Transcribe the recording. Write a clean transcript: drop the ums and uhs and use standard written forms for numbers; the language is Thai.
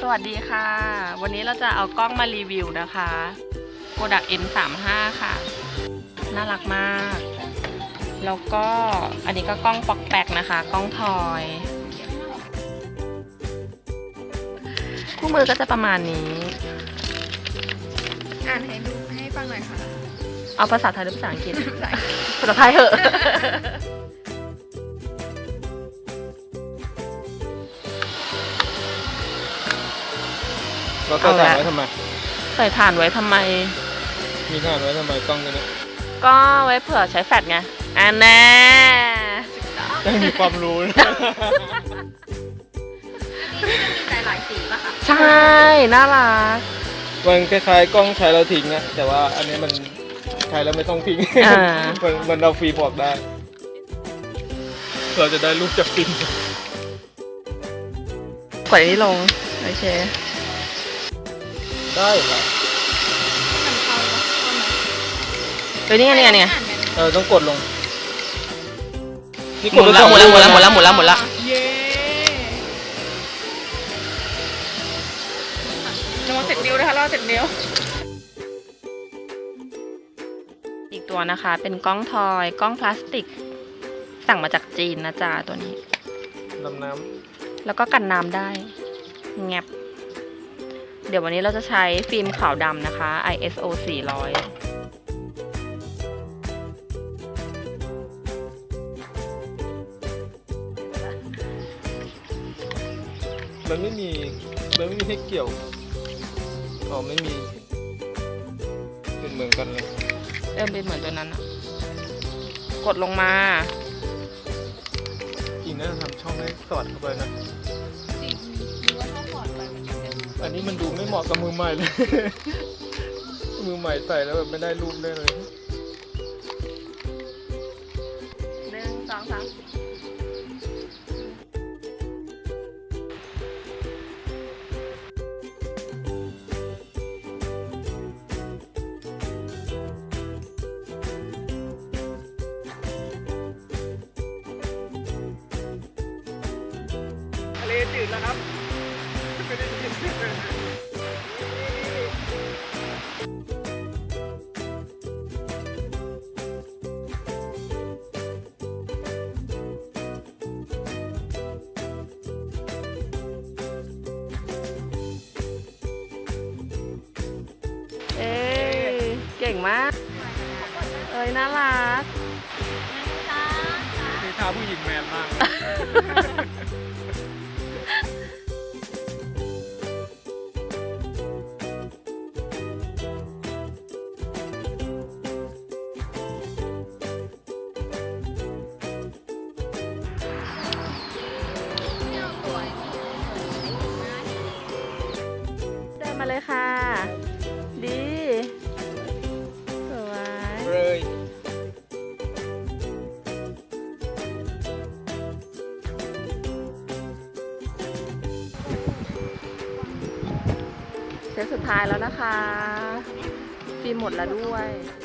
สวัสดีค่ะวันนี้เราจะเอากล้องมารีวิวนะคะ Kodak N35 ค่ะน่ารักมากแล้วก็อันนี้ก็กล้องป๊อกแป๊กนะคะกล้องทอยคู่มือก็จะประมาณนี้อ่านให้ดูให้ฟังหน่อยค่ะเอาภาษาไทยหรือภาษาอังกฤษ ภาษาไทยเหอะเราใส่ถ่านไว้ทำไมใส่ถ่านไว้ทำไมมีถ่านไว้ทำไมกล้องตัวนี้ก็ไว้เผื่อใช้แฟลชไงอันแน่ยังมีความรู้นะมีหลายสีป่ะคะใช่น่ารักมันคล้ายๆกล้องใช้แล้วทิ้งนะแต่ว่าอันนี้มันใช้แล้วไม่ต้องทิ้ง มันเราฟรีบอกได้ เราจะได้รูปจากฟิล์มกดอันนี้ลงโอเคได้เหรอมันเข้าไหมเดี๋ยวนี่ไงนี่ไงต้องกดลงนี่หมุนละหมุนละหมุนละหมุนละหมุนละหมุนละเย้ระวังเสร็จนิ้วนะคะระวังเสร็จนิ้วอีกตัวนะคะเป็นกล้องทอยกล้องพลาสติก สั่งมาจากจีนนะจ๊ะตัวนี้ดำน้แล้วก็กันน้ำได้แงบเดี๋ยววันนี้เราจะใช้ฟิล์มขาวดำนะคะ ISO 400 มันไม่มีให้เกี่ยวอ๋อไม่มีเป็นเหมือนกันเลยเป็นเหมือนตัวนั้นอะกดลงมาอีกน่าจะทำช่องให้สอดเข้าไปนะจริงหรือว่าถ้าถอดไปมันจะเป็นอันนี้มันดูไม่เหมาะกับมือใหม่เลย มือใหม่ใส่แล้วแบบไม่ได้รูปได้เลย 1 2 3 ทะเลจืดแล้วครับไม่ได้ยินเก่งมาก น่ารักนี่ท่าผู้หญิงแมนมากเดินมาเลยค่ะ ดี สวยเลยเซตสุดท้ายแล้วนะคะ ฟิล์มหมดแล้วด้วย